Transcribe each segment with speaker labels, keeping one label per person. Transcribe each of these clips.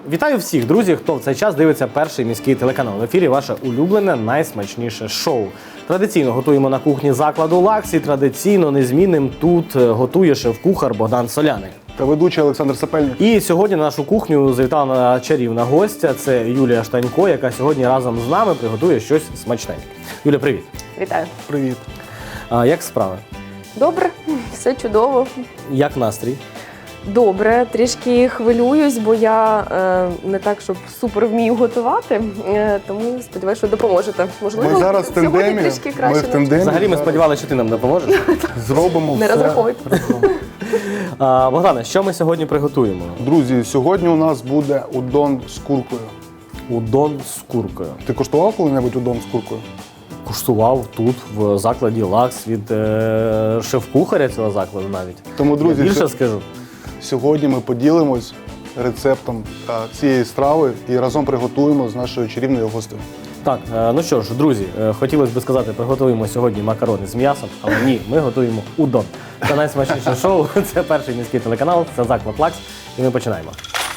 Speaker 1: Вітаю всіх, друзі, хто в цей час дивиться перший міський телеканал. В ефірі ваше улюблене, найсмачніше шоу. Традиційно готуємо на кухні закладу «Лакс» і традиційно незмінним тут готує шеф-кухар Богдан Соляник.
Speaker 2: Та ведучий Олександр Сапельник.
Speaker 1: І сьогодні на нашу кухню завітала чарівна гостя. Це Юлія Штанько, яка сьогодні разом з нами приготує щось смачненьке. Юля, привіт.
Speaker 3: Вітаю.
Speaker 2: Привіт.
Speaker 1: Як справи?
Speaker 3: Добре, все чудово.
Speaker 1: Як настрій?
Speaker 3: Добре, трішки хвилююсь, бо я не так, щоб супер вмію готувати, тому сподіваюся, що допоможете. Можливо,
Speaker 2: Ми зараз в
Speaker 3: сьогодні
Speaker 2: тандемі.
Speaker 3: трішки краще.
Speaker 1: Взагалі ми сподівалися, що ти нам допоможеш.
Speaker 2: Зробимо
Speaker 3: Не
Speaker 2: все.
Speaker 3: розраховуйте.
Speaker 1: Богдане, що ми сьогодні приготуємо?
Speaker 2: Друзі, сьогодні у нас буде удон з куркою.
Speaker 1: Удон з куркою.
Speaker 2: Ти коштував коли-небудь удон з куркою?
Speaker 1: Куштував тут, в закладі «Лакс» від шеф-кухаря цього закладу навіть.
Speaker 2: Тому, друзі,
Speaker 1: Я більше скажу.
Speaker 2: сьогодні ми поділимось рецептом цієї страви і разом приготуємо з нашою чарівною гостею.
Speaker 1: Так, ну що ж, друзі, хотілося б сказати, приготуємо сьогодні макарони з м'ясом, але ні, ми готуємо удон. Це найсмачніше шоу, це перший міський телеканал, це заклад «Лакс», і ми починаємо.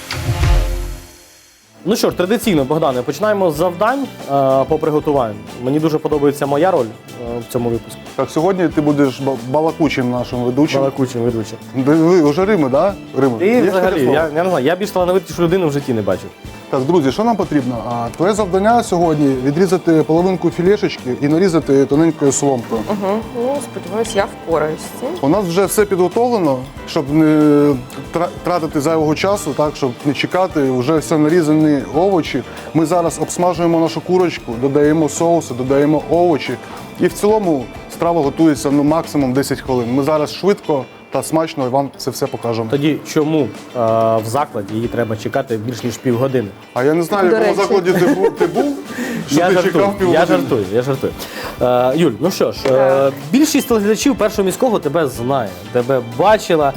Speaker 1: Ну що ж, традиційно, Богдане, починаємо з завдань по приготуванню. Мені дуже подобається моя роль в цьому випуску.
Speaker 2: Так, сьогодні ти будеш балакучим нашим ведучим.
Speaker 1: Балакучим ведучим.
Speaker 2: Ви вже Рими, так? Да? Рими.
Speaker 1: І
Speaker 2: Є
Speaker 1: взагалі,
Speaker 2: таке слово?
Speaker 1: я не знаю, я більш талановитішу людину в житті не бачив.
Speaker 2: Так, друзі, що нам потрібно? Твоє завдання сьогодні відрізати половинку філешечки і нарізати тоненькою соломкою.
Speaker 3: Ну, сподіваюся, я впораюсь з цим.
Speaker 2: У нас вже все підготовлено, щоб не тратити зайвого часу, так, щоб не чекати, вже все нарізані овочі. Ми зараз обсмажуємо нашу курочку, додаємо соуси, додаємо овочі. І в цілому страва готується максимум 10 хвилин. Ми зараз швидко та смачно вам це все покажемо.
Speaker 1: Тоді чому в закладі її треба чекати більш ніж півгодини?
Speaker 2: А я не знаю, в
Speaker 3: До
Speaker 2: якому
Speaker 3: речі.
Speaker 2: закладі ти був, що
Speaker 1: Я
Speaker 2: ти
Speaker 1: жартую,
Speaker 2: чекав півгодини.
Speaker 1: я жартую. Юль, ну що ж, більшість телеглядачів першого міського тебе знає, тебе бачила,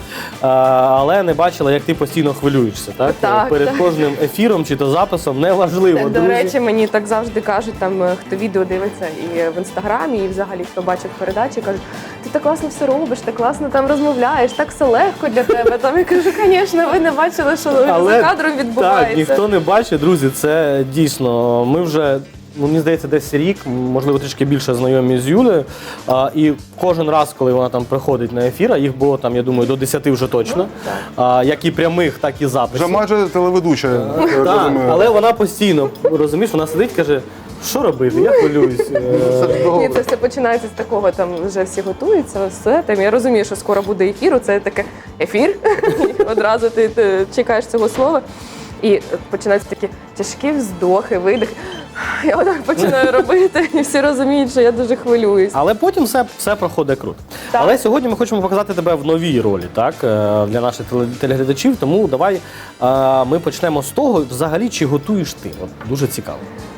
Speaker 1: але не бачила, як ти постійно хвилюєшся, так?
Speaker 3: Так,
Speaker 1: Перед
Speaker 3: так.
Speaker 1: кожним ефіром чи то записом, неважливо,
Speaker 3: До
Speaker 1: друзі.
Speaker 3: речі, мені так завжди кажуть, там, хто відео дивиться і в інстаграмі, і взагалі хто бачить передачі, кажуть, ти так класно все робиш, так класно там розмовляєш, так все легко для тебе. Там я кажу, звісно, ви не бачили, що за кадром відбувається.
Speaker 1: Так, ніхто не бачить, друзі, це дійсно, ми вже, мені здається, десь рік, можливо, трішки більше знайомі з Юлею, і кожен раз, коли вона там приходить на ефір, а їх було там, я думаю, до 10 вже точно, як і прямих, так і записів.
Speaker 2: Вже майже телеведуча. я
Speaker 1: Так,
Speaker 2: розумію.
Speaker 1: але вона постійно, розумієш, вона сидить і каже, що робити, я хвилююсь.
Speaker 3: Ні, це все починається з такого, там вже всі готуються, все. Там, я розумію, що скоро буде ефір, це таке ефір, і одразу ти чекаєш цього слова. І починаються такі тяжкі вздохи, видихи. Я отак починаю робити, і всі розуміють, що я дуже хвилююсь.
Speaker 1: Але потім все проходить круто.
Speaker 3: Так.
Speaker 1: Але сьогодні ми хочемо показати тебе в новій ролі, так, для наших телеглядачів, тому давай ми почнемо з того, взагалі, чи готуєш ти? От, дуже цікаво.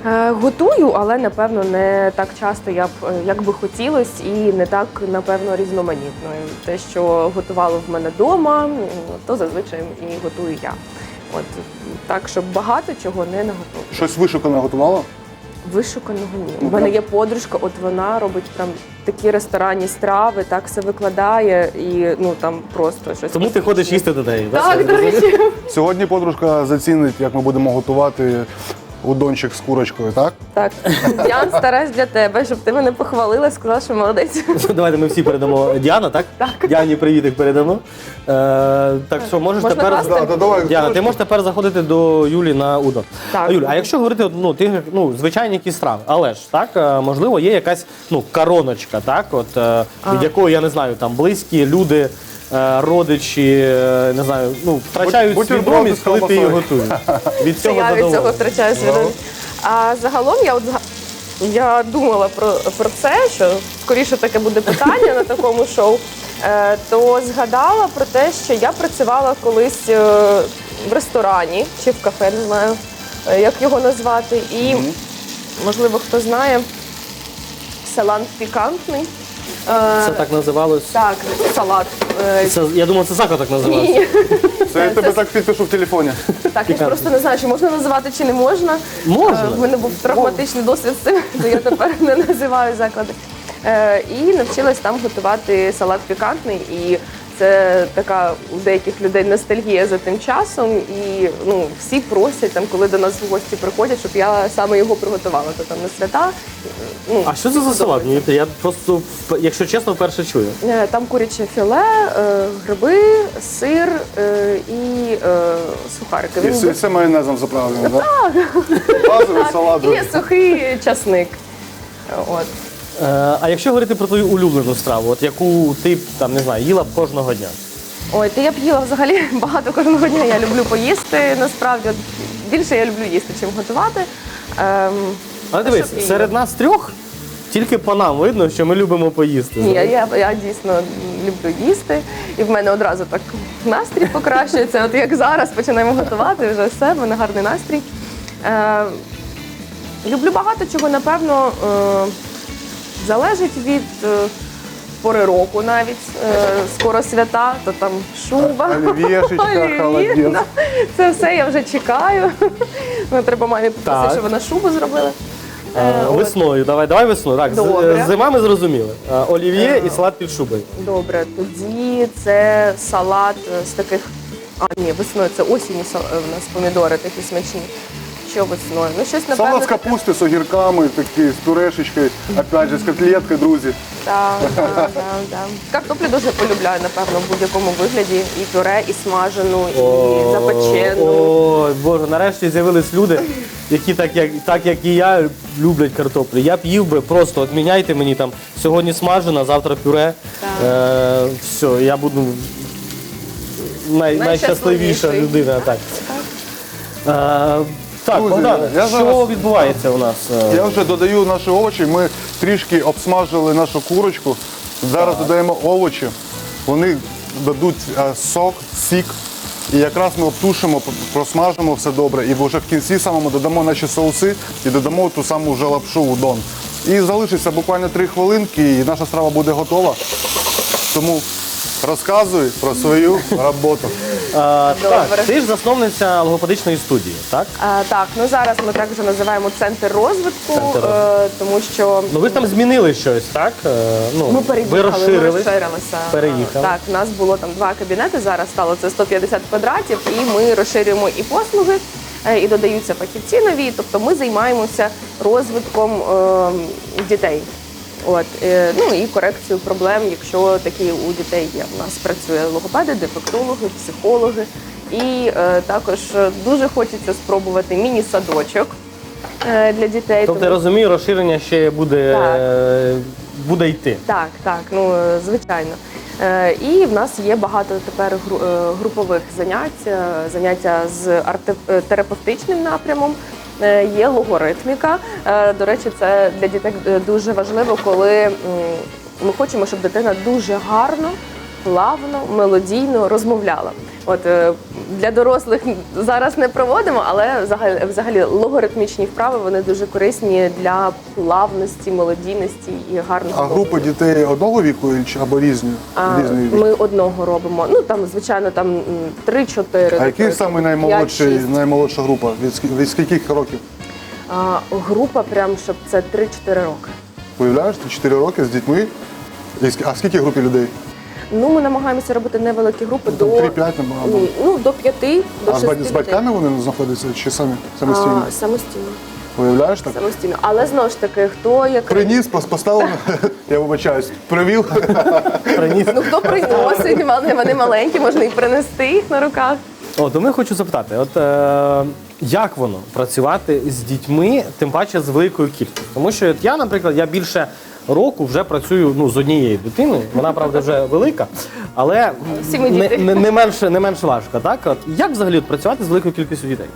Speaker 3: Готую, але, напевно, не так часто, як би хотілося, і не так, напевно, різноманітно. Те, що готувало в мене вдома, то зазвичай і готую я. От так, щоб багато чого не наготовлю.
Speaker 2: Щось вишукане готувала?
Speaker 3: Вишуканого ні. У мене є подружка, от вона робить прям такі ресторанні страви, так все викладає і ну там просто щось.
Speaker 1: Тому ти ходиш їсти до неї,
Speaker 3: Так, до речі.
Speaker 2: Сьогодні подружка зацінить, як ми будемо готувати удончик з курочкою, так?
Speaker 3: Так, Діан, стараюсь для тебе, щоб ти мене похвалила, сказала, що молодець.
Speaker 1: Давайте ми всі передамо Діана, так?
Speaker 3: Так.
Speaker 1: Діані привітик передамо. Так що можеш
Speaker 3: Можна
Speaker 1: тепер...
Speaker 3: класти?
Speaker 2: Да, давай,
Speaker 1: Діана, ти можеш тепер заходити до Юлі на удон.
Speaker 3: Так.
Speaker 1: Юль, а якщо говорити, ну, ти, ну, звичайні якісь страви, але ж, так, можливо, є якась, ну, короночка, так, от, від якої, я не знаю, там, близькі люди, родичі, не знаю, ну, втрачають
Speaker 2: Бутерброди
Speaker 1: свідомість,
Speaker 2: з
Speaker 1: коли ти її
Speaker 2: ковбасою.
Speaker 1: готуєш. Від
Speaker 3: Це
Speaker 1: цього
Speaker 3: я від цього
Speaker 1: задоволений.
Speaker 3: втрачаю свідомість. А загалом я думала про це, що скоріше таке буде питання на такому шоу, то згадала про те, що я працювала колись в ресторані чи в кафе, не знаю, як його назвати. І, можливо, хто знає, салат пікантний.
Speaker 1: Це так називалось?
Speaker 3: Так, салат.
Speaker 1: Це, я думав, це заклад так називався.
Speaker 3: Ні.
Speaker 2: Це я тебе так підпишу в телефоні.
Speaker 3: Так, я ж просто не знаю, чи можна називати, чи не можна.
Speaker 1: Можна.
Speaker 3: В мене був травматичний досвід з цим, то я тепер не називаю заклади. І навчилась там готувати салат пікантний. І це така у деяких людей ностальгія за тим часом, і всі просять, там, коли до нас в гості приходять, щоб я саме його приготувала, то там на свята.
Speaker 1: А що це за салат? Я просто, якщо чесно, вперше чую.
Speaker 3: Там куряче філе, гриби, сир і сухарики.
Speaker 2: І все майонезом заправлено, так? Базовий салат.
Speaker 3: І сухий часник. От.
Speaker 1: А якщо говорити про твою улюблену страву, от яку ти там не знаю, їла б кожного дня?
Speaker 3: Ой, то я б їла взагалі багато кожного дня. Я люблю поїсти. Насправді от, більше я люблю їсти, чим готувати.
Speaker 1: Але дивись, серед нас трьох тільки по нам видно, що ми любимо поїсти.
Speaker 3: Ні, я дійсно люблю їсти, і в мене одразу так настрій покращується. От як зараз починаємо готувати, вже все, в мене гарний настрій. Люблю багато чого, напевно, залежить від пори року навіть. Скоро свята, то там шуба.
Speaker 2: Олів'єшечка, холодець.
Speaker 3: Да. Це все я вже чекаю. Треба мамі попросити, щоб вона шубу зробила.
Speaker 1: Весною, давай весною. Так,
Speaker 3: Добре.
Speaker 1: зима ми зрозуміли. Олів'є і салат під шубою.
Speaker 3: Добре, тоді це салат з таких. Ні, весною це осінь у нас помідори такі смачні. Що весною? Ну, щось, напевно,
Speaker 2: Салат з капусти, з огірками, такий, з пюрешечкою, опять же, з котлеткою, друзі.
Speaker 3: Так. Картоплю дуже полюбляю, напевно, в будь-якому вигляді. І пюре, і смажену, і запечену.
Speaker 1: Ой, Боже, нарешті з'явились люди, які так як і я люблять картоплю. Я б їв би просто, от міняйте мені там сьогодні смажена, завтра пюре. Все, я буду найщасливіша людина. Так. Так,
Speaker 2: Друзі,
Speaker 1: Богдан,
Speaker 2: я
Speaker 1: що
Speaker 2: зараз-
Speaker 1: відбувається у нас?
Speaker 2: Я вже додаю наші овочі, ми трішки обсмажили нашу курочку. Зараз додаємо овочі, вони дадуть сок, сік. І якраз ми обтушимо, просмажимо все добре. І вже в кінці самому додамо наші соуси і додамо ту саму вже лапшу удон. І залишиться буквально 3 хвилинки, і наша страва буде готова. Тому розказуй про свою роботу.
Speaker 1: Так, ти ж засновниця логопедичної студії, так?
Speaker 3: Так, ну зараз ми так вже називаємо центр розвитку, тому що
Speaker 1: Ну ви ж там змінили щось, так?
Speaker 3: ми переїхали,
Speaker 1: ви розширились.
Speaker 3: ми розширилися.
Speaker 1: Переїхали.
Speaker 3: Так, у нас було там 2 кабінети, зараз стало це 150 квадратів, і ми розширюємо і послуги, і додаються фахівці нові, тобто ми займаємося розвитком дітей. От, ну і корекцію проблем, якщо такі у дітей є. У нас працює логопеди, дефектологи, психологи. І також дуже хочеться спробувати міні-садочок для дітей.
Speaker 1: Тобто я розумію, розширення ще буде йти.
Speaker 3: Так, ну звичайно. І в нас є багато тепер групових заняття з арт-терапевтичним напрямом. Є логоритміка. До речі, це для дітей дуже важливо, коли ми хочемо, щоб дитина дуже гарно, плавно, мелодійно розмовляла. От для дорослих зараз не проводимо, але взагалі логоритмічні вправи вони дуже корисні для плавності, мелодійності і гарного.
Speaker 2: А групи дітей одного віку або різні? Різної віку?
Speaker 3: Ми одного робимо. Ну там, звичайно, там 3-4.
Speaker 2: А який саме наймолодша група? Від скільких років?
Speaker 3: Група, прям щоб це 3-4 роки.
Speaker 2: Уявляєш, ти 4 роки з дітьми. А скільки групі людей?
Speaker 3: Ну, ми намагаємося робити невеликі групи до
Speaker 2: 3-5 набагато.
Speaker 3: Ну, до 5, до 6
Speaker 2: А з батьками вони знаходяться чи самостійно?
Speaker 3: Самостійно.
Speaker 2: Уявляєш так?
Speaker 3: Самостійно. Але знову ж таки, хто як
Speaker 2: Приніс, поставив, я вибачаюсь, привів.
Speaker 3: ну хто приносить, вони маленькі, можна і принести їх на руках.
Speaker 1: То ми хочу запитати, як воно працювати з дітьми, тим паче з великою кількістю? Тому що я, наприклад, я більше року вже працюю з однією дитиною. Вона, правда, вже велика, але
Speaker 3: Всі ми діти.
Speaker 1: не менш важко. Так? Як взагалі працювати з великою кількістю дітей?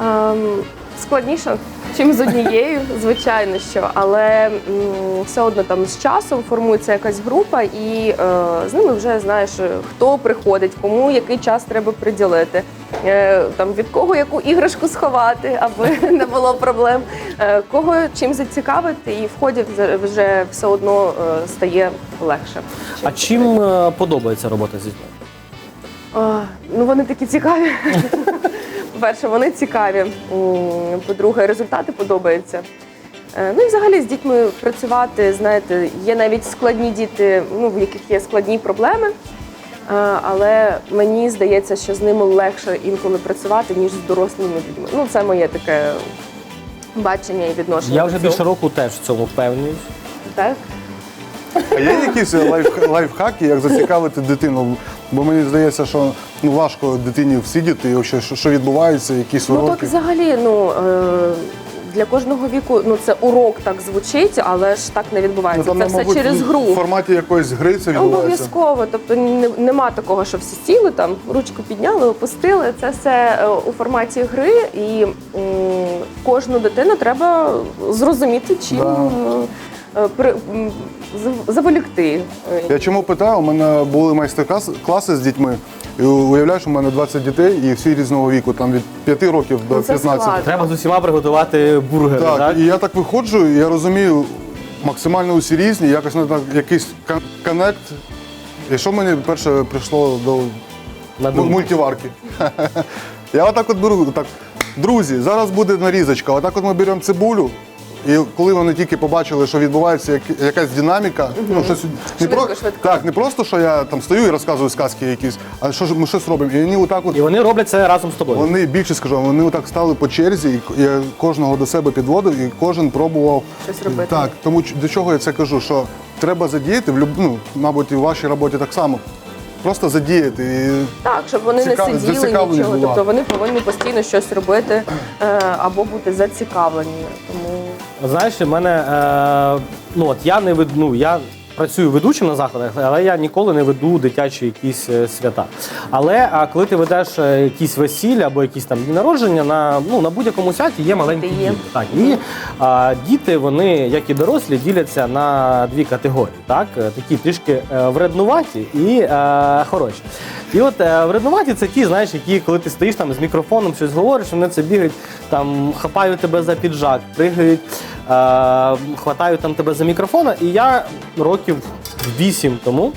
Speaker 3: Складніше, чим з однією, звичайно, що, але все одно там з часом формується якась група, і з ними вже знаєш, хто приходить, кому який час треба приділити, там від кого яку іграшку сховати, аби не було проблем, кого чим зацікавити, і в ході вже все одно стає легше.
Speaker 1: А чим подобається робота з дітьми?
Speaker 3: Ну, вони такі цікаві. По-перше, вони цікаві. По-друге, результати подобаються. Ну і взагалі з дітьми працювати, знаєте, є навіть складні діти, в яких є складні проблеми. Але мені здається, що з ними легше інколи працювати, ніж з дорослими людьми. Ну, це моє таке бачення і відношення.
Speaker 1: Я
Speaker 3: до
Speaker 1: вже
Speaker 3: цього.
Speaker 1: більше року теж в цьому впевнеюсь.
Speaker 3: Так?
Speaker 2: А є якісь лайфхаки, як зацікавити дитину? Бо мені здається, що важко дитині всидіти, і взагалі, що відбувається, якісь
Speaker 3: Ну, так
Speaker 2: уроки.
Speaker 3: взагалі, для кожного віку, це урок так звучить, але ж так не відбувається.
Speaker 2: там,
Speaker 3: Це все
Speaker 2: мабуть,
Speaker 3: через гру.
Speaker 2: В форматі якоїсь гри це відбувається.
Speaker 3: Обов'язково. Тобто нема такого, що всі сіли, там, ручку підняли, опустили. Це все у форматі гри, і кожну дитину треба зрозуміти, чим заволікти.
Speaker 2: Я чому питаю? У мене були майстер-класи з дітьми, і уявляєш, у мене 20 дітей, і всі різного віку, там від 5 років до
Speaker 3: Ну, це
Speaker 2: 15.
Speaker 3: складно.
Speaker 1: Треба з усіма приготувати бургери,
Speaker 2: Так,
Speaker 1: так?
Speaker 2: і я так виходжу, і я розумію, максимально усі різні, якось надо якийсь коннект. І що мені перше прийшло до
Speaker 1: На думку.
Speaker 2: мультиварки? Я отак от беру, так, друзі, зараз буде нарізочка, отак от ми беремо цибулю, і коли вони тільки побачили, що відбувається якась динаміка, щось
Speaker 3: Швидко.
Speaker 2: так, не просто, що я там стою і розказую сказки якісь, а що ж ми щось робимо. І вони отак от
Speaker 1: І вони роблять це разом з тобою.
Speaker 2: вони більше скажу, вони отак стали по черзі, і я кожного до себе підводив, і кожен пробував
Speaker 3: Щось робити.
Speaker 2: Так, тому до чого я це кажу, що треба задіяти мабуть, і в вашій роботі так само. Просто задіяти. І
Speaker 3: Так, щоб вони не сиділи
Speaker 2: зацікавленість
Speaker 3: нічого.
Speaker 2: була.
Speaker 3: Тобто вони повинні постійно щось робити або бути зацікавлені. Тому
Speaker 1: Знаєш, в мене, я не веду, я працюю ведучим на заходах, але я ніколи не веду дитячі якісь свята. Але коли ти ведеш якісь весілля або якісь там дні народження, на будь-якому святі є маленькі
Speaker 3: Є.
Speaker 1: діти. Так, і діти, вони, як і дорослі, діляться на дві категорії. Так? Такі трішки вреднуваті і хороші. І от вреднуваті це ті, знаєш, які, коли ти стоїш там з мікрофоном, щось говориш, вони це бігають, там хапають тебе за піджак, пригають, хватають там тебе за мікрофона. І я років 8 тому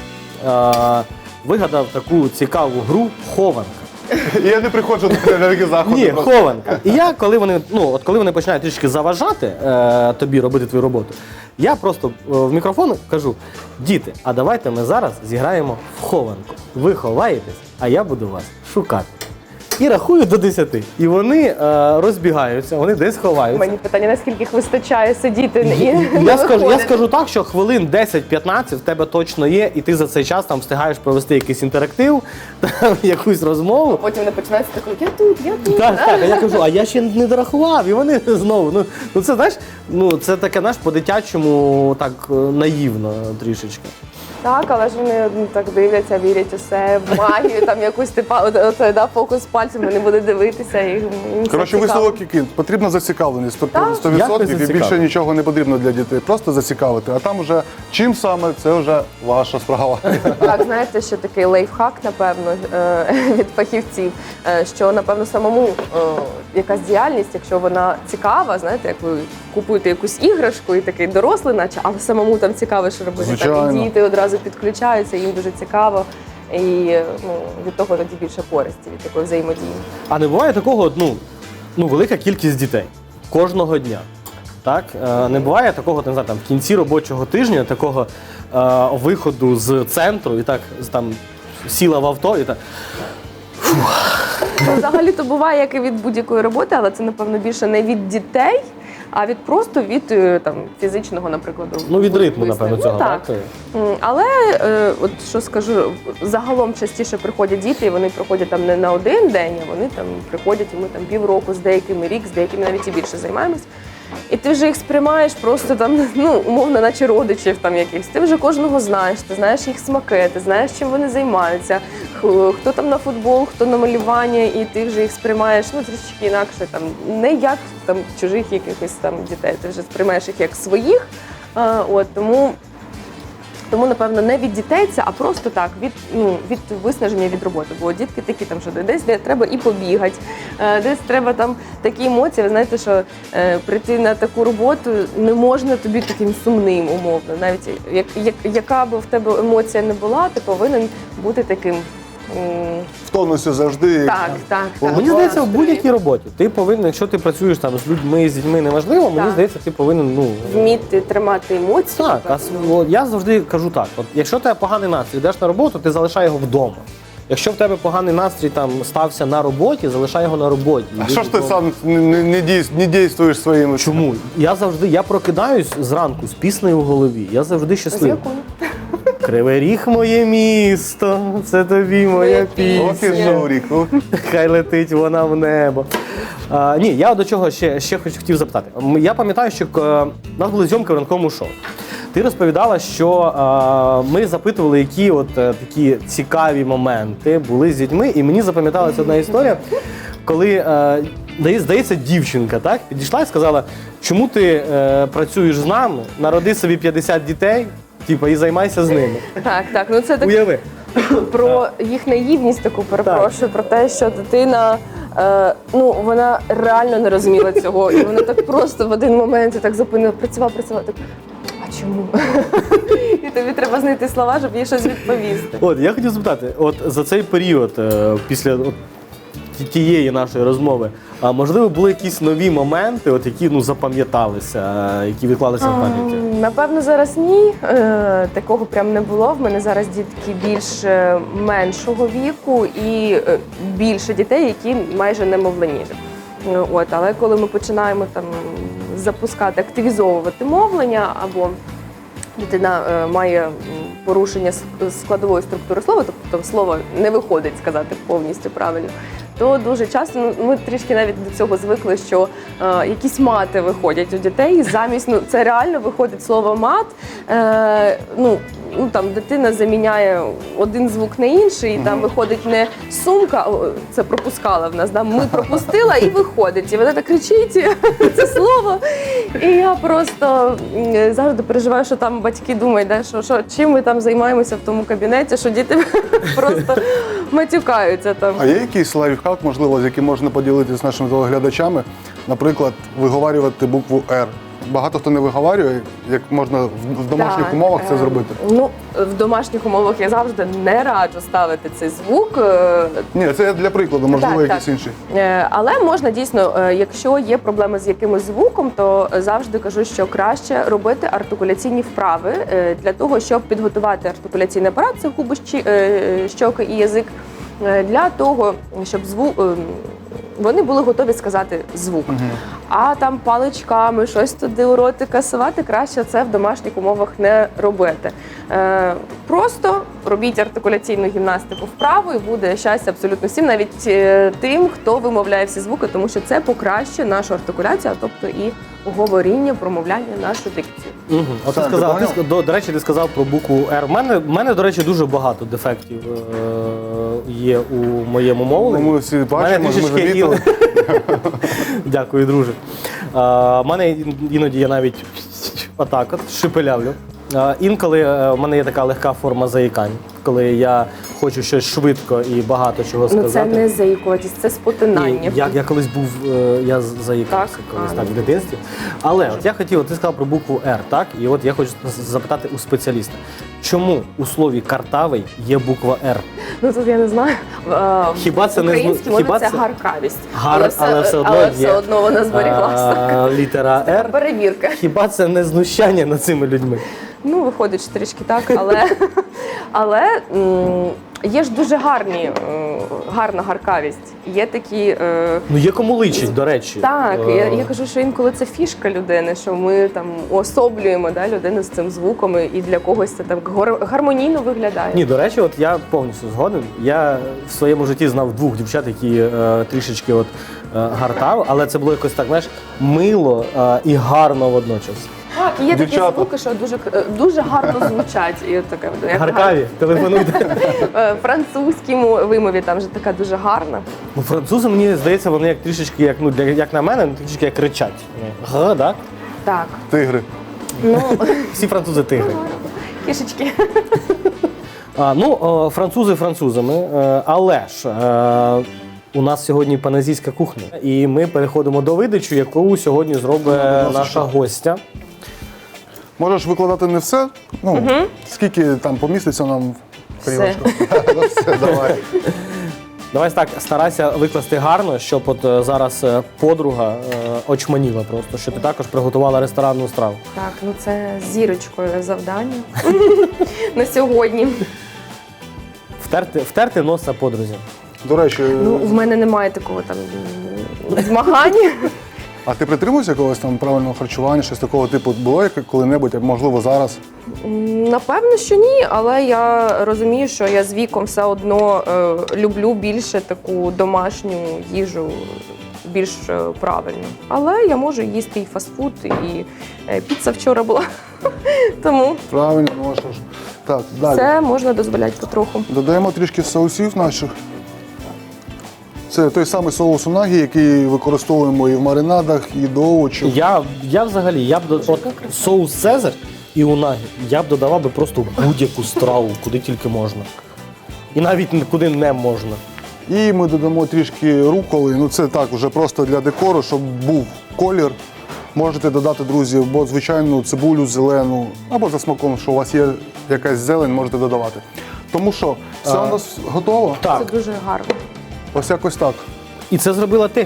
Speaker 1: вигадав таку цікаву гру «Хованка».
Speaker 2: І я не приходжу на такі заходи.
Speaker 1: Ні,
Speaker 2: просто.
Speaker 1: хованка. І я, коли вони починають трішки заважати тобі робити твою роботу, я просто в мікрофон кажу: діти, а давайте ми зараз зіграємо в хованку. Ви ховаєтесь, а я буду вас шукати. І рахую до 10. І вони розбігаються, вони десь ховаються.
Speaker 3: мені питання, наскільки їх вистачає сидіти і не
Speaker 1: Я
Speaker 3: виходити.
Speaker 1: скажу так, що хвилин 10-15 в тебе точно є, і ти за цей час там встигаєш провести якийсь інтерактив, там, якусь розмову.
Speaker 3: Потім не починається такий, я тут.
Speaker 1: Так, а я кажу, а я ще не дорахував, і вони знову. Ну це знаєш, це таке, знаєш, по-дитячому так наївно трішечки.
Speaker 3: Так, але ж вони так дивляться, вірять у себе, в магію, там якусь фокус пальцем, вони будуть дивитися. І їм це
Speaker 2: Коротше,
Speaker 3: цікаво.
Speaker 2: висновок який? Потрібна зацікавленість,
Speaker 3: Так.
Speaker 2: 100%,
Speaker 1: Як не
Speaker 2: і більше
Speaker 1: зацікавити?
Speaker 2: нічого не потрібно для дітей. Просто зацікавити. А там уже чим саме, це вже ваша справа.
Speaker 3: Так, знаєте, що такий лайфхак, напевно, від фахівців, що, напевно, самому якась діяльність, якщо вона цікава, знаєте, як ви купуєте якусь іграшку і такий дорослий, наче, але самому там цікаво, що робити. Так,
Speaker 2: Звичайно.
Speaker 3: і діти одразу підключаються, їм дуже цікаво. І від того тоді більше користі, від такої взаємодії.
Speaker 1: А не буває такого, велика кількість дітей кожного дня. Так? Не буває такого, не знаю, там, в кінці робочого тижня, такого виходу з центру і так там сіла в авто і так.
Speaker 3: Взагалі-то буває, як і від будь-якої роботи, але це, напевно, більше не від дітей, а від там, фізичного, наприклад,
Speaker 1: Від ритму,
Speaker 3: виснаження.
Speaker 1: напевно, цього.
Speaker 3: Так.
Speaker 1: Так?
Speaker 3: Але, от що скажу, загалом частіше приходять діти, і вони приходять там не на один день, а вони там приходять, і ми там півроку, з деякими рік, з деякими навіть і більше займаємось. І ти вже їх сприймаєш просто там, умовно, наче родичів там якихось. Ти вже кожного знаєш, ти знаєш їх смаки, ти знаєш, чим вони займаються, хто там на футбол, хто на малювання, і ти вже їх сприймаєш, трішки інакше, там, не як там чужих якихось там дітей, ти вже сприймаєш їх як своїх. Тому, напевно, не від дітей це, а просто так, від виснаження від роботи. Бо дітки такі, там, що десь де треба і побігати, десь треба там такі емоції. Ви знаєте, що прийти на таку роботу не можна тобі таким сумним, умовно. Навіть яка б в тебе емоція не була, ти повинен бути таким
Speaker 2: В тонусі завжди.
Speaker 3: Так.
Speaker 1: Мені здається, в будь-якій роботі ти повинен, якщо ти працюєш там з людьми, з дітьми, неважливо, мені
Speaker 3: Так.
Speaker 1: здається, ти повинен,
Speaker 3: Вміти тримати емоції.
Speaker 1: Так, я завжди кажу так: от якщо в тебе поганий настрій, йдеш на роботу, ти залишай його вдома. Якщо в тебе поганий настрій там стався на роботі, залишай його на роботі.
Speaker 2: А що ж ти сам не дійствуєш своїми?
Speaker 1: Чому? Я прокидаюсь зранку з піснею в голові. Я завжди
Speaker 3: З
Speaker 1: щасливий.
Speaker 3: якою?
Speaker 1: Кривий Ріг моє місто, це тобі моя
Speaker 2: Ох і
Speaker 1: пісня.
Speaker 2: журік.
Speaker 1: Хай летить вона в небо. Ні, я до чого ще хотів запитати. Я пам'ятаю, що у нас були зйомки в ранковому шоу. Ти розповідала, що ми запитували, які от такі цікаві моменти були з дітьми, і мені запам'яталася одна історія, коли, здається, дівчинка так, підійшла і сказала, чому ти працюєш з нами, народи собі 50 дітей, і займайся з ними.
Speaker 3: Так. Ну це так
Speaker 1: Уяви.
Speaker 3: про їх наївність таку перепрошую, про те, що дитина. Вона реально не розуміла цього, і вона так просто в один момент так зупинила, працювала, так, а чому? І тобі треба знайти слова, щоб їй щось відповісти.
Speaker 1: От, я хотів запитати, от за цей період, після тієї нашої розмови, можливо, були якісь нові моменти, от, які запам'яталися, які відклалися в пам'яті?
Speaker 3: Напевно, зараз ні. Такого прям не було. В мене зараз дітки більш меншого віку і більше дітей, які майже немовляні. Але коли ми починаємо там запускати, активізовувати мовлення, або дитина має порушення складової структури слова, тобто слово не виходить сказати повністю правильно, то дуже часто, ми трішки навіть до цього звикли, що якісь мати виходять у дітей, замість, це реально виходить слово мат, там дитина заміняє один звук на інший, і там виходить не сумка, це пропускала в нас, ми пропустила і виходить. І вона так кричить це слово. І я просто завжди переживаю, що там батьки думають, що чим ми там займаємося в тому кабінеті, що діти просто матюкаються там.
Speaker 2: А є якийсь лайфхак, можливо, з яким можна поділитися з нашими телеглядачами? Наприклад, виговарювати букву «Р». Багато хто не виговарює, як можна в домашніх умовах це зробити?
Speaker 3: В домашніх умовах я завжди не раджу ставити цей звук.
Speaker 2: Ні, це для прикладу, можливо, якийсь інший.
Speaker 3: Але можна дійсно, якщо є проблеми з якимось звуком, то завжди кажу, що краще робити артикуляційні вправи для того, щоб підготувати артикуляційний апарат, це губи, щоки і язик, для того, щоб вони були готові сказати звук. А там паличками щось туди у ротика совати, краще це в домашніх умовах не робити. Просто робіть артикуляційну гімнастику вправо і буде щастя абсолютно всім, навіть тим, хто вимовляє всі звуки, тому що це покращує нашу артикуляцію, тобто і говоріння, промовляння, нашу дикцію.
Speaker 1: От ти сказав, до речі, ти сказав про букву «Р». В мене, до речі, дуже багато дефектів є у моєму мовленні.
Speaker 2: Ми всі бачимо, ми замітили.
Speaker 1: Дякую, друже. Мене іноді я навіть отак от шепелявлю. Інколи в мене є така легка форма заїкань, коли я хочу щось швидко і багато чого сказати.
Speaker 3: Це не заїкуватість, це спотинання.
Speaker 1: Я колись був, я заїкався колись так в дитинстві. Але от я хотів, ти сказав про букву «Р», так? І от я хочу запитати у спеціаліста. Чому у слові «картавий» є буква «Р»?
Speaker 3: Тут я не знаю.
Speaker 1: Хіба це не
Speaker 3: українській мові це гаркавість.
Speaker 1: Але
Speaker 3: все одно вона зберіглася.
Speaker 1: Літера «Р».
Speaker 3: Перевірка.
Speaker 1: Хіба це не знущання над цими людьми?
Speaker 3: Виходить що трішки так, але є ж дуже гарна гаркавість. Є такі...
Speaker 1: Є кому личить, до речі.
Speaker 3: Так, я кажу, що інколи це фішка людини, що ми там уособлюємо людину з цим звуком, і для когось це так гармонійно виглядає.
Speaker 1: Ні, до речі, от я повністю згоден. Я в своєму житті знав двох дівчат, які трішечки гартали, але це було якось так, знаєш, мило і гарно водночас.
Speaker 3: Так, є такі звуки, що дуже гарно звучать. І таке,
Speaker 1: Гаркаві, телефонуйте.
Speaker 3: Французькій вимові там вже така дуже гарна.
Speaker 1: Французи, мені здається, вони як трішечки, як на мене, трішечки як кричать. Г, так?
Speaker 3: Так.
Speaker 2: Тигри.
Speaker 1: Всі французи тигри.
Speaker 3: Кішечки.
Speaker 1: Французи французами, але ж у нас сьогодні паназійська кухня. І ми переходимо до видачі, яку сьогодні зробить наша гостя.
Speaker 2: Можеш викладати не все, скільки там поміститься нам
Speaker 3: Все.
Speaker 2: Ну, все, давай.
Speaker 1: Давай так, старайся викласти гарно, щоб от зараз подруга очманіла просто, що ти також приготувала ресторанну страву.
Speaker 3: Так, ну це зірочкою завдання на сьогодні.
Speaker 1: Втерти носа подрузі.
Speaker 2: До речі,
Speaker 3: Ну, в мене немає такого там змагання.
Speaker 2: а ти притримуєшся якогось там правильного харчування, щось такого типу було коли-небудь, а можливо зараз?
Speaker 3: Напевно, що ні, але я розумію, що я з віком все одно люблю більше таку домашню їжу, більш правильну. Але я можу їсти і фастфуд, і піца вчора була. Тому
Speaker 2: Правильно, ну що ж. Так, далі.
Speaker 3: це можна дозволяти потроху.
Speaker 2: Додаємо трішки соусів наших. Це той самий соус унагі, який використовуємо і в маринадах, і до овочів.
Speaker 1: Я взагалі, от соус Цезарь і унагі, я б додавав би просто в будь-яку страву, куди тільки можна. І навіть куди не можна.
Speaker 2: І ми додамо трішки руколи. Ну це так, вже просто для декору, щоб був колір. Можете додати, друзі, або звичайну цибулю зелену, або за смаком, що у вас є якась зелень, можете додавати. Тому що все у нас готово.
Speaker 3: Це
Speaker 1: Так,
Speaker 3: дуже гарно.
Speaker 2: Ось якось так.
Speaker 1: і це зробила ти.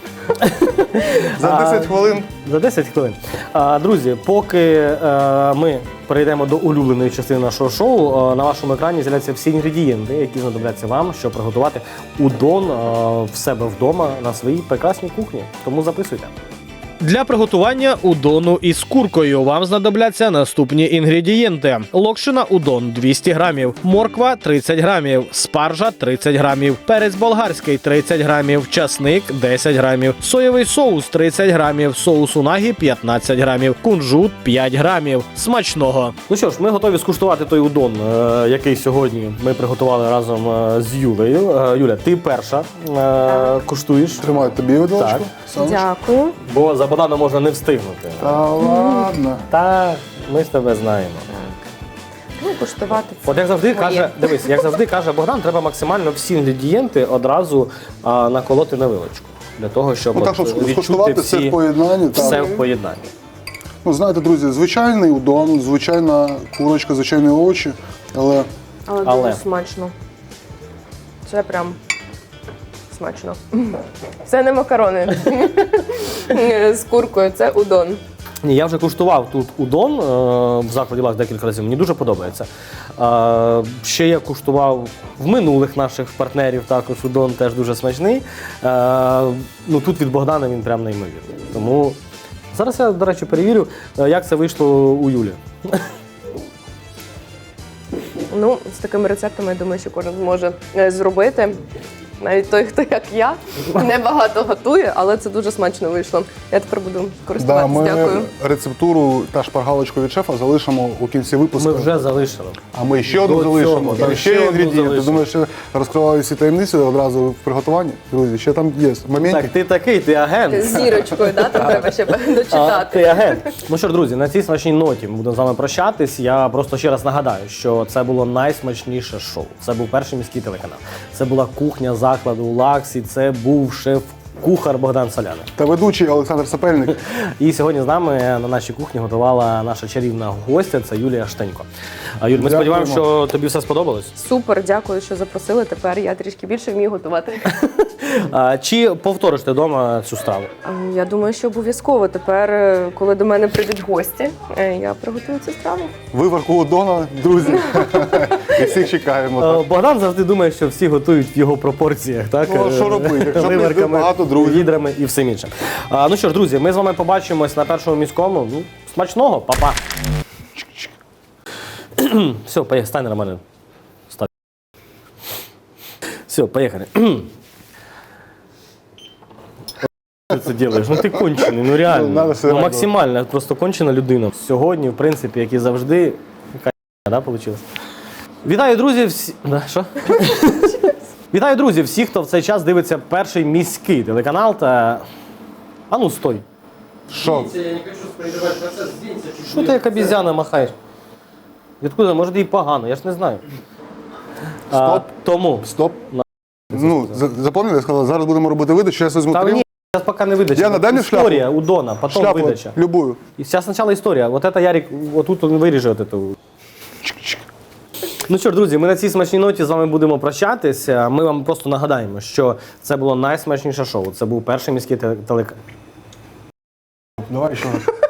Speaker 2: За 10 хвилин.
Speaker 1: За 10 хвилин. Друзі, поки ми перейдемо до улюбленої частини нашого шоу, на вашому екрані з'являться всі інгредієнти, які знадобляться вам, щоб приготувати удон в себе вдома на своїй прекрасній кухні. Тому записуйте.
Speaker 4: Для приготування удону із куркою вам знадобляться наступні інгредієнти: локшина удон 200 грамів, морква 30 грамів, спаржа 30 грамів, перець болгарський 30 грамів, часник 10 грамів, соєвий соус 30 грамів, соус унагі 15 грамів, кунжут 5 грамів. Смачного!
Speaker 1: Ну що ж, ми готові скуштувати той удон, який сьогодні ми приготували разом з Юлею. Юля, ти перша куштуєш.
Speaker 2: Тримаю тобі виделочку.
Speaker 1: Так.
Speaker 2: Сонечко.
Speaker 3: Дякую.
Speaker 1: Бо за Богданом можна не встигнути.
Speaker 2: Та ладно.
Speaker 1: Так, ми з тебе знаємо.
Speaker 3: Ну, куштувати це.
Speaker 1: От як завжди
Speaker 3: моє.
Speaker 1: каже, дивись, як завжди каже Богдан, треба максимально всі інгредієнти одразу наколоти на вилочку. Для того, щоб,
Speaker 2: Ну так, щоб
Speaker 1: відчути
Speaker 2: скуштувати все
Speaker 1: всі,
Speaker 2: в поєднанні.
Speaker 1: все
Speaker 2: Так.
Speaker 1: в поєднанні.
Speaker 2: Ну, знаєте, друзі, звичайний удон, звичайна курочка, звичайні овочі, але
Speaker 3: Але дуже смачно. Це прям смачно. Це не макарони з куркою, це удон.
Speaker 1: Ні, я вже куштував тут удон в закладі «Лакс» декілька разів, мені дуже подобається. Ще я куштував в минулих наших партнерів також удон, теж дуже смачний. Ну, тут від Богдана він прям неймовірний. Тому зараз я, до речі, перевірю, як це вийшло у Юлі.
Speaker 3: Ну, з такими рецептами, я думаю, що кожен зможе зробити. Навіть той, хто як я, небагато готує, але це дуже смачно вийшло. Я тепер буду
Speaker 2: да,
Speaker 3: користуватися.
Speaker 2: ми
Speaker 3: Дякую.
Speaker 2: рецептуру та шпаргалочку від шефа залишимо у кінці випуску.
Speaker 1: Ми вже залишили.
Speaker 2: А ми ще одну
Speaker 1: До
Speaker 2: залишимо.
Speaker 1: цього,
Speaker 2: Там
Speaker 1: так,
Speaker 2: ще
Speaker 1: ще
Speaker 2: є
Speaker 1: одну
Speaker 2: інгредієнти.
Speaker 1: залишимо.
Speaker 2: Думаю, що розкриваю всі таємниці одразу в приготуванні. Друзі, ще там є моментик.
Speaker 1: Так, ти такий, ти агент.
Speaker 3: З зірочкою, да? Там треба ще
Speaker 1: Ти
Speaker 3: дочитати.
Speaker 1: агент. Ну що ж, друзі, на цій смачній ноті ми будемо з вами прощатись. Я просто ще раз нагадаю, що це було найсмачніше шоу. Це був перший міський телеканал. Це була кухня закладу «Лакс», і це був шеф-кухар Богдан Соляник.
Speaker 2: Та ведучий Олександр Сапельник.
Speaker 1: І сьогодні з нами на нашій кухні готувала наша чарівна гостя, це Юлія Штенько. Юль, ми
Speaker 2: Дякуємо.
Speaker 1: сподіваємося, що тобі все сподобалось.
Speaker 3: Супер, дякую, що запросили. Тепер я трішки більше вмію готувати.
Speaker 1: Чи повториш ти вдома цю страву?
Speaker 3: Я думаю, що обов'язково тепер, коли до мене прийдуть гості, я приготую цю страву.
Speaker 2: Виварку удона, друзі. І всіх чекаємо. так.
Speaker 1: Богдан завжди думає, що всі готують в його пропорціях, так?
Speaker 2: Ну, а що робити? Якщо
Speaker 1: Виварками,
Speaker 2: прийде багато друзів.
Speaker 1: відрами і всім іншим. Ну що ж, друзі, ми з вами побачимось на першому міському. Ну, смачного, па-па. Все, поїхали, стань на мене. Стань. Все, поїхали. Ти це робиш? Ну ти кончений, ну
Speaker 2: Ну,
Speaker 1: реально.
Speaker 2: надо все
Speaker 1: Ну,
Speaker 2: одно.
Speaker 1: максимально, просто кончена людина. Сьогодні, в принципі, як і завжди, да, вийшло? Вітаю, друзі, всі... Да, що? Вітаю, друзі, всіх, хто в цей час дивиться перший міський телеканал та... А ну, стой.
Speaker 2: Що?
Speaker 1: Що ти як обізяна махаєш? Відкуди? Може, і погано, я ж не знаю.
Speaker 2: Стоп.
Speaker 1: Тому.
Speaker 2: Стоп. Ну, запам'ятали, я сказала, зараз будемо робити видачу, зараз візьму
Speaker 1: Та
Speaker 2: тарілку.
Speaker 1: ні, зараз поки не видача.
Speaker 2: Яна, дай мені шляпу.
Speaker 1: Історія у Дона, потім
Speaker 2: Шляпу,
Speaker 1: видача.
Speaker 2: любую.
Speaker 1: І зараз спочатку історія. Вот это Ярик, отут він виріже от эту. Ну що ж, друзі, ми на цій смачній ноті з вами будемо прощатися. Ми вам просто нагадаємо, що це було найсмачніше шоу. Це був перший міський телеканал.
Speaker 2: Давай ще раз.